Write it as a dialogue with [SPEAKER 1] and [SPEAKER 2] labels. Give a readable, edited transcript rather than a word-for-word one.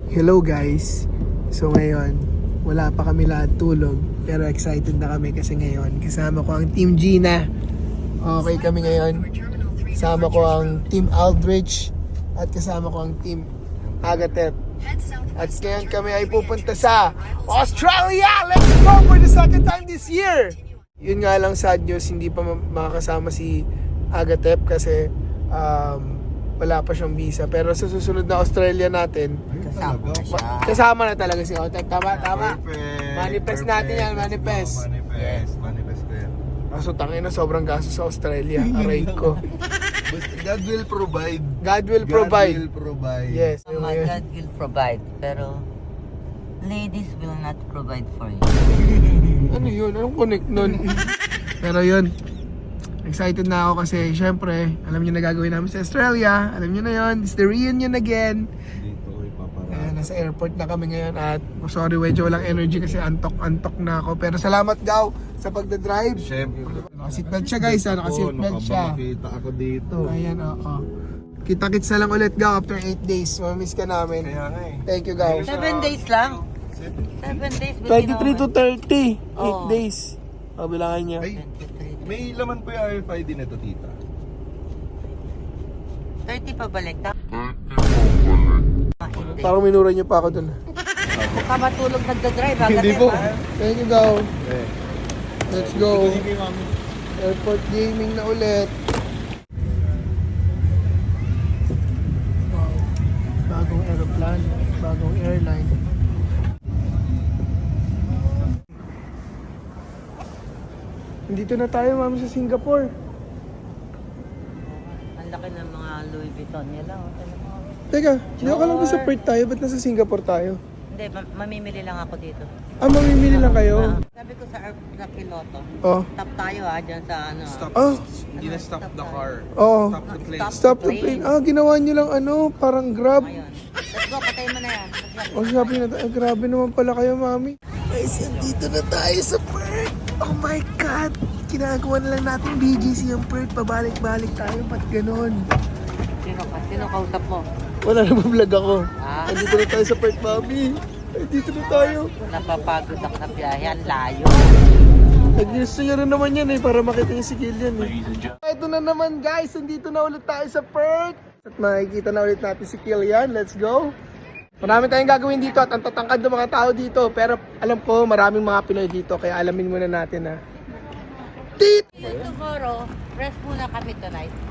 [SPEAKER 1] Hello guys. So ngayon, wala pa kami lahat tulog. Pero excited na kami kasi ngayon kasama ko ang Team Gina. Okay kami ngayon. Kasama ko ang Team Aldrich. At kasama ko ang Team Agatep. At ngayon kami ay pupunta sa Australia! Let's go for the second time this year! Yun nga lang sad news, hindi pa makakasama si Agatep kasi wala pa siyang visa. Pero sa susunod na Australia natin, kasama na talaga si Agatep. Tama?
[SPEAKER 2] Perfect.
[SPEAKER 1] Manifest natin yan, manifest.
[SPEAKER 2] Manifest ko yan.
[SPEAKER 1] Kaso tangin na sobrang gastos sa Australia. Aray ko.
[SPEAKER 2] God will provide.
[SPEAKER 1] God will provide.
[SPEAKER 2] God will provide.
[SPEAKER 1] Yes.
[SPEAKER 3] God will provide, pero ladies will not provide for you.
[SPEAKER 1] Ano yun? Anong connect nun? Pero yun, excited na ako kasi syempre, alam niyo na gagawin namin sa Australia. Alam niyo na yun, it's the reunion again.
[SPEAKER 2] Dito ko ipaparami.
[SPEAKER 1] Ayan, nasa airport na kami ngayon at sorry, medyo walang energy kasi antok na ako. Pero salamat Gaw sa pagdadrive.
[SPEAKER 2] Siyempre.
[SPEAKER 1] Naka-seatbelt siya guys, naka-seatbelt siya.
[SPEAKER 2] Nakita ako dito.
[SPEAKER 1] Ayan, oo. Kita-kits na lang ulit Gaw after 8 days. Mamiss ka namin.
[SPEAKER 2] Kaya nga eh.
[SPEAKER 1] Thank you Gaw.
[SPEAKER 3] 7 days lang. 7 days.
[SPEAKER 1] 23 to 30. 8
[SPEAKER 3] Oo.
[SPEAKER 1] days. O, bilangan niya.
[SPEAKER 2] Ay, may laman po yung RFID nito, tita.
[SPEAKER 3] 30 pa balik.
[SPEAKER 1] Parang minura niyo pa ako dun.
[SPEAKER 3] Huwag ka matulog nagdadrive.
[SPEAKER 2] Hindi po.
[SPEAKER 1] Thank you Gaw.
[SPEAKER 2] Eh.
[SPEAKER 1] Let's go. Airport gaming na ulit. Wow. Bagong aeroplane, bagong airline. Dito na tayo, mami, sa Singapore.
[SPEAKER 3] Ang laki ng mga Louis Vuitton nila.
[SPEAKER 1] Teka, di ako lang sa Perth tayo, ba't nasa Singapore tayo?
[SPEAKER 3] Hindi, mamimili lang ako dito.
[SPEAKER 1] Mamimili lang kayo?
[SPEAKER 3] Sabi ko sa piloto,
[SPEAKER 1] Oh.
[SPEAKER 3] stop tayo dyan sa ano.
[SPEAKER 1] Oh,
[SPEAKER 4] Hindi na stop the car.
[SPEAKER 1] oo.
[SPEAKER 4] Stop the plane.
[SPEAKER 1] Stop the plane. Ginawa niyo lang parang Grab.
[SPEAKER 3] Ayun. Let's go, patayin mo na yan.
[SPEAKER 1] O, sabi na tayo, grabe naman pala kayo, mami. Guys, dito na tayo sa Perth. Oh my God! Ginagawa na lang natin BGC yung Perth. Pabalik-balik tayo, ba't ganon?
[SPEAKER 3] Sino kausap mo?
[SPEAKER 1] Wala na vlog ako.
[SPEAKER 3] Ah,
[SPEAKER 1] Dito na tayo sa Perth, mami. Ay, dito na tayo.
[SPEAKER 3] napapagod ako na biyahe. Ang layo.
[SPEAKER 1] Nag-gusto nyo rin naman yan para makita yung si Killian Ito na naman guys, nandito na ulit tayo sa Perth. At makikita na ulit natin si Killian. Let's go. Marami tayong gagawin dito at ang tatangkad ng mga tao dito. Pero alam ko maraming mga Pinoy dito kaya alamin muna natin na. Tit!
[SPEAKER 3] Tomorrow, rest muna kami tonight.